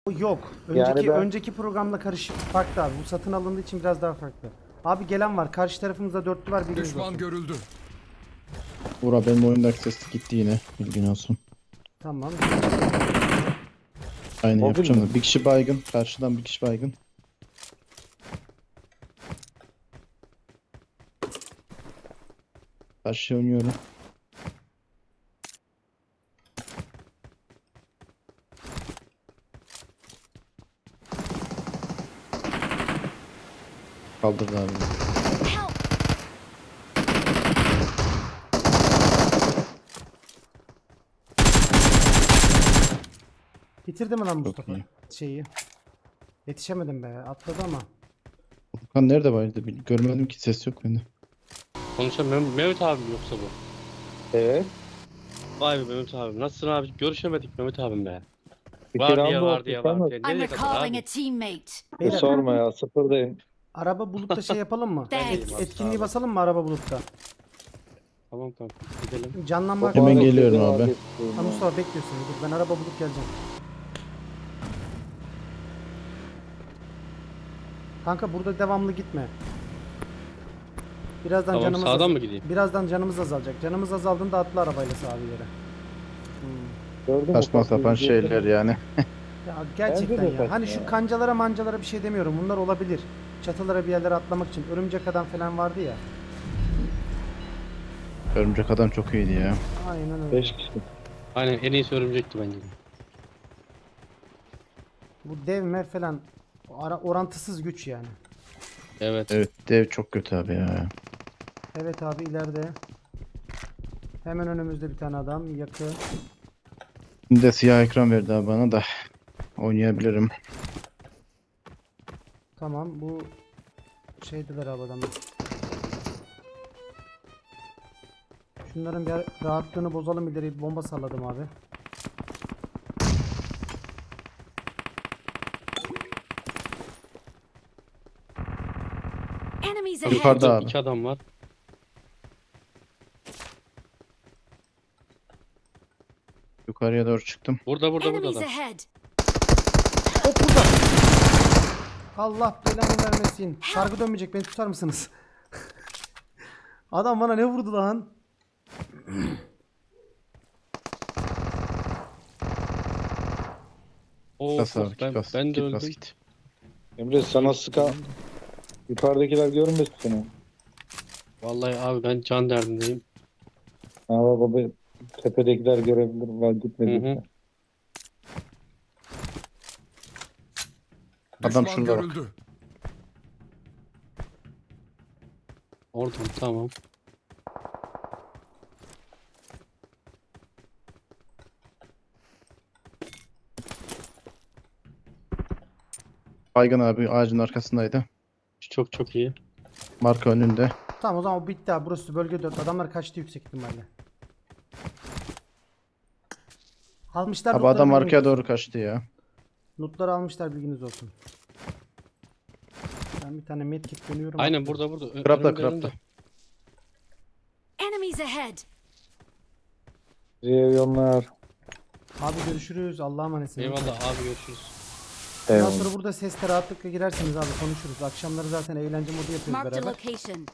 Yok. Yani ben Önceki programla karışık farklı abi. Bu satın alındığı için biraz daha farklı. Abi gelen var. Karşı tarafımızda dörtlü var. Bilginiz Düşman olsun. görüldü. Burak benim oyundaki ses gitti yine. Bilgin olsun. Tamam. Aynı O yapacağım gün da. Bir kişi baygın. Karşıdan bir kişi baygın. Karşıya oynuyorum. Kaldırdı abi. Bitirdi mi lan Çok Mustafa? iyi. Şeyi. Yetişemedim be. Atladı ama. Furkan nerede vardı? Görmedim ki, ses yok bende. Konuşan Mehmet abi mi yoksa bu? evet. Vay be Mehmet abi. Nasılsın abi? Görüşemedik Mehmet abim be. Bir Var round diye oldu var diye sen var mi? diye. I'm Nereye kadar recalling abi? a teammate. Beyler Sorma ya, sıfırdayım. araba bulutta şey yapalım mı? Ben değilim abi, Etkinliği sağ ol. basalım mı araba bulutta? Tamam tamam. Gidelim. Canlanma. Hemen Mübarek geliyorum dedi abi. Ha, Mustafa bekliyorsun. Dur ben araba bulup geleceğim. Kanka burada devamlı gitme. Birazdan Tamam, canımız sağdan mı gideyim? Birazdan canımız azalacak. Canımız azaldığında atla arabayla sağa bir yere. Gördün mü? Saçma Ufak sapan bir şeyler yani. Ya gerçekten Bence de ya. Hani saçma şu ya. kancalara mancalara bir şey demiyorum. Bunlar olabilir. Çatılara bir yerlere atlamak için. Örümcek adam falan vardı ya. Örümcek adam çok iyiydi ya. Aynen öyle. 5 kişi. Aynen en iyisi örümcekti bence. Bu devme falan orantısız güç yani. Evet. Evet, dev çok kötü abi ya. Evet abi ileride. Hemen önümüzde bir tane adam yakın. Şimdi de siyah ekran verdi abi bana da. Oynayabilirim. Tamam bu şeydiler abi adamlar. Şunların bir rahatlığını bozalım, ileri bir bomba salladım abi. Enemies Abi, Yukarıda ahead. abi. İki adam var. Yukarıya doğru çıktım. Burada Enemies adam. ahead. Hop burada. Allah belanı vermesin. Sargı dönmeyecek, beni tutar mısınız? Adam bana ne vurdu lan? Oo, Bas abi, ben, git bas. ben de Git bas öldüm. git. Emre sana sıkan yukarıdakiler görmesin seni. Vallahi abi ben can derdindeyim. Ha baba, tepedekiler görebilir. Var gitmedi. Hı hı. Adam Düşman şurada bak. görüldü. Oradan tamam. Baygın abi ağacın arkasındaydı. Çok çok iyi. Marka önünde. Tamam o zaman o bitti abi. Burası bölge 4. Adamlar kaçtı yüksek ihtimalle. Almışlar Abi lootları, adam bilginiz arkaya olsun. doğru kaçtı ya. Lootları almışlar, bilginiz olsun. Ben bir tane medkit dönüyorum. Aynen atlıyorum. burada. Krapta Önümde, krapta. önümde. Enemies ahead. Riyonlar. Abi görüşürüz. Allah'a emanetsin. Eyvallah abi görüşürüz. Ondan Eyvallah. sonra burada sesle rahatlıkla girersiniz abi, konuşuruz. Akşamları zaten eğlence modu yapıyoruz Marked a beraber. location.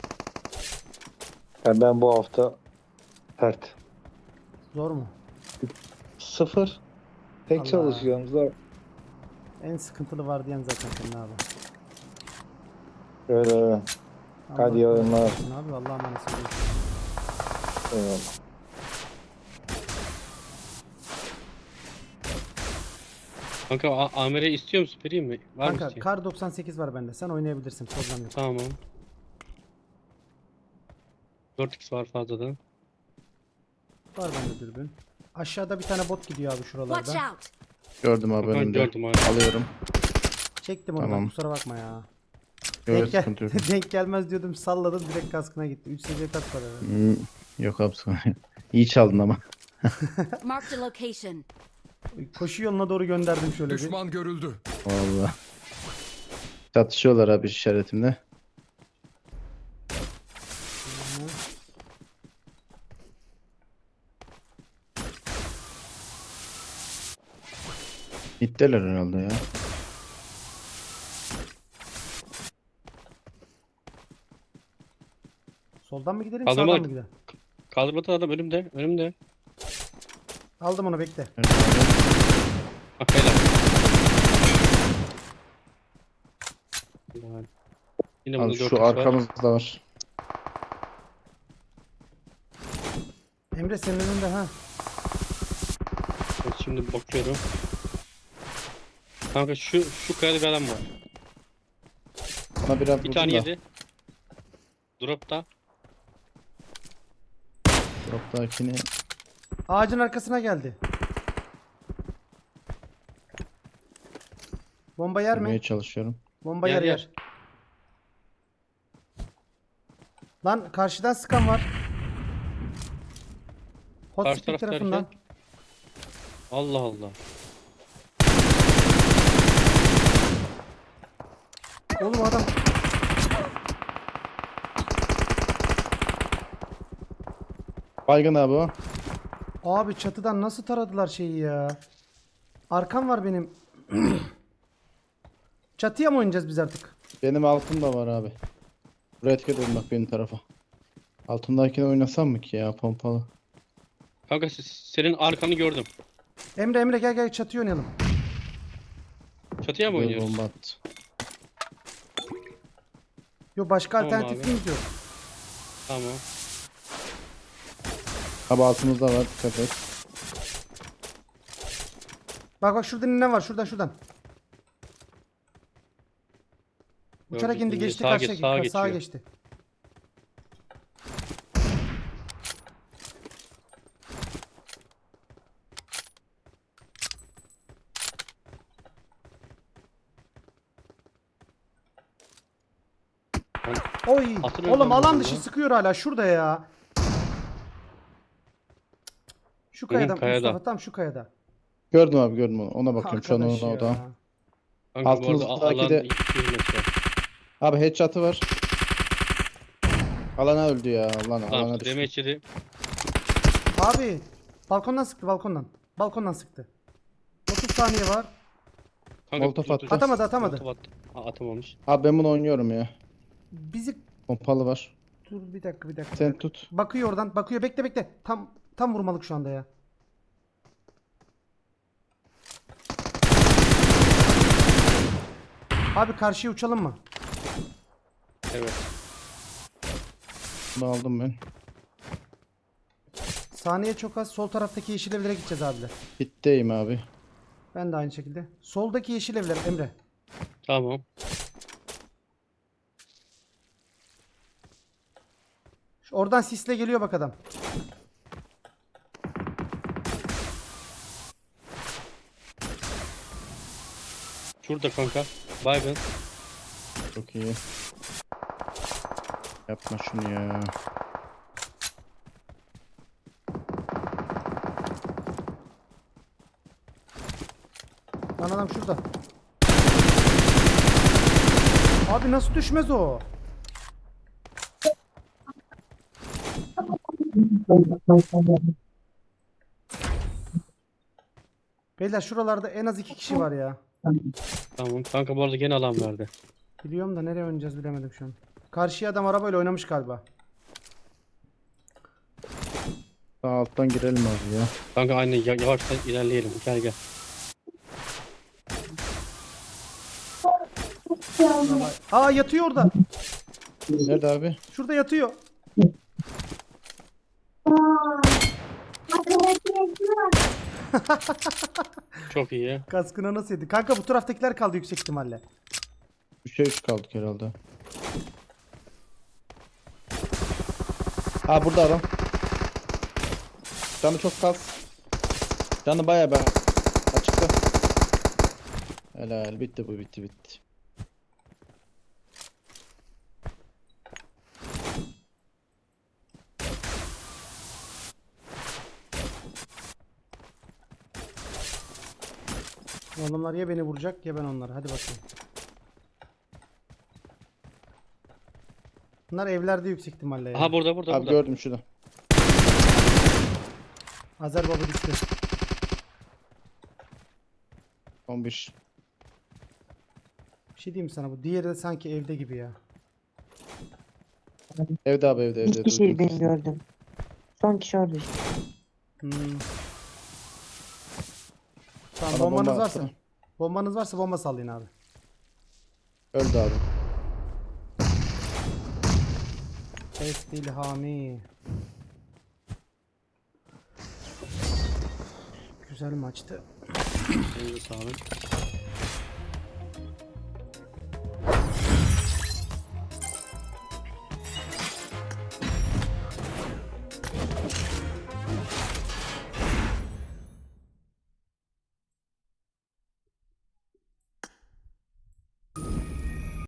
Yani ben bu hafta pert. Zor mu? 0. Tek Allah. çalışıyorum. Zor. En sıkıntılı var diyen zaten senin abi. Öyle öyle. Allah Hadi iyi oyunlar. kolaylık versin abi. Allah'a emanetsin. Eyvallah. Kanka Amir'e istiyor musun? Vereyim mi? Var mı Kanka isteyen? kar 98 var bende. Sen oynayabilirsin. Problem yok. Tamam. 4x var fazladan. Var bende dürbün. Aşağıda bir tane bot gidiyor abi Watch şuralarda. out. Gördüm abi Ben önümde. gördüm abi. Alıyorum. Çektim onu, Tamam. kusura bakma ya. Yok, Denk, sıkıntı yok. denk gelmez diyordum, salladım direkt kaskına gitti. 3 seviye kask var herhalde. Yok abi sonra. İyi çaldın ama. Marked a location. Koşu yoluna doğru gönderdim şöyle bir. Düşman görüldü. Vallahi. Çatışıyorlar abi işaretimle. Gittiler herhalde ya. Soldan mı gidelim Kaldırma- sağdan mı gidelim? Kaldırmadan adam önümde. Önümde. Aldım onu bekle. Nerede abi? Bak helal. Helal. Yine Abi burada 4 şu var. arkamızda var. Emre senin önünde ha. Evet, şimdi bakıyorum. Kanka şu kayada bir adam var. Bana biraz Bir tane vurdun da. yedi. Dropta. Drop'takini Ağacın arkasına geldi. Bomba yer vurmaya mi? çalışıyorum. Bomba Yer, yer yer. yer. Lan karşıdan sıkan var. Hot Karşı Spring taraf tarafından. derken? Allah Allah. Oğlum adam Baygın abi o. abi çatıdan nasıl taradılar şeyi ya? Arkam var benim. Çatıya mı oynayacağız biz artık? Benim altımda var abi. Buraya dikkat edin bak benim tarafa. Altındakini oynasam mı ki ya pompalı? Kanka senin arkanı gördüm. Emre gel gel çatıya oynayalım. Çatıya mı Böyle oynuyoruz? bomba attı. Yo başka Tamam alternatifimiz yok. Tamam. Abi altımızda var dikkat et. Bak şurada ne var şuradan. Uçarak Gördüm, indi indi. geçti Sağa karşıya geç, sağa sağa geçiyor. geçti. Oy. Hatırlıyorum Oğlum ben alan bunu dışı ya. sıkıyor hala şurada ya. Şu kayada kayada. Mustafa tam şu kayada. Gördüm abi gördüm onu. Ona bakıyorum şu an Arkadaş ona ya. oda. Kanka bu arada Altımızdaki alan de- 200 metre. Abi headshot'ı var. Alana öldü ya. Lan Tamam alana düştü. demeç yedi. Abi balkondan sıktı balkondan. Balkondan sıktı. 30 saniye var. Kanka, Molotof dur, attı. dur. Atamadı. Molotof attı. Atamamış. Abi ben bunu oynuyorum ya. Bizi Pompalı var. dur bir dakika. Sen tut. Bakıyor oradan. Bakıyor. Bekle. Tam vurmalık şu anda ya. Abi karşıya uçalım mı? Evet. Bunu aldım ben. Saniye çok az. Sol taraftaki yeşil evlere gideceğiz abiler. Bitteyim abi. Ben de aynı şekilde. Soldaki yeşil evler Emre. Tamam. Oradan sisle geliyor bak adam. Şurada kanka. Baygın. Çok iyi. Yapma şunu ya. Lan adam şurada. Abi nasıl düşmez o? Beyler şuralarda en az 2 kişi var ya. Tamam. Kanka bu arada gene alan verdi. Biliyorum da nereye oynayacağız bilemedim şu an. Karşıya adam arabayla oynamış galiba. Sağ alttan girelim abi ya. Kanka aynı yavaştan ilerleyelim. Gel. Aa yatıyor orada. Nerede abi? Şurada yatıyor. Çok iyi. Kaskına nasıl yedi? Kanka bu taraftakiler kaldı yüksek ihtimalle. 3'e 3 kaldık herhalde. Ha burada adam. Canı çok az. Canı bayağı ben açıkta. Helal bitti bu bitti. Bu adamlar ya beni vuracak ya ben onları. Hadi bakayım. Bunlar evlerde yüksek ihtimalle ya. Aha burada Abi burada. gördüm şurada. Azer Baba düştü. 11. Bir şey diyeyim mi sana, bu diğeri de sanki evde gibi ya. Evde abi evde. İki kişiydi benim gördüm. Son kişi orada işte. Hmm. Tamam, Bana bombanız bomba varsa. atsana. Bombanız varsa bomba sallayın abi. Öldü abi. Kestil Hami. Güzel maçtı. Elinize sağlık.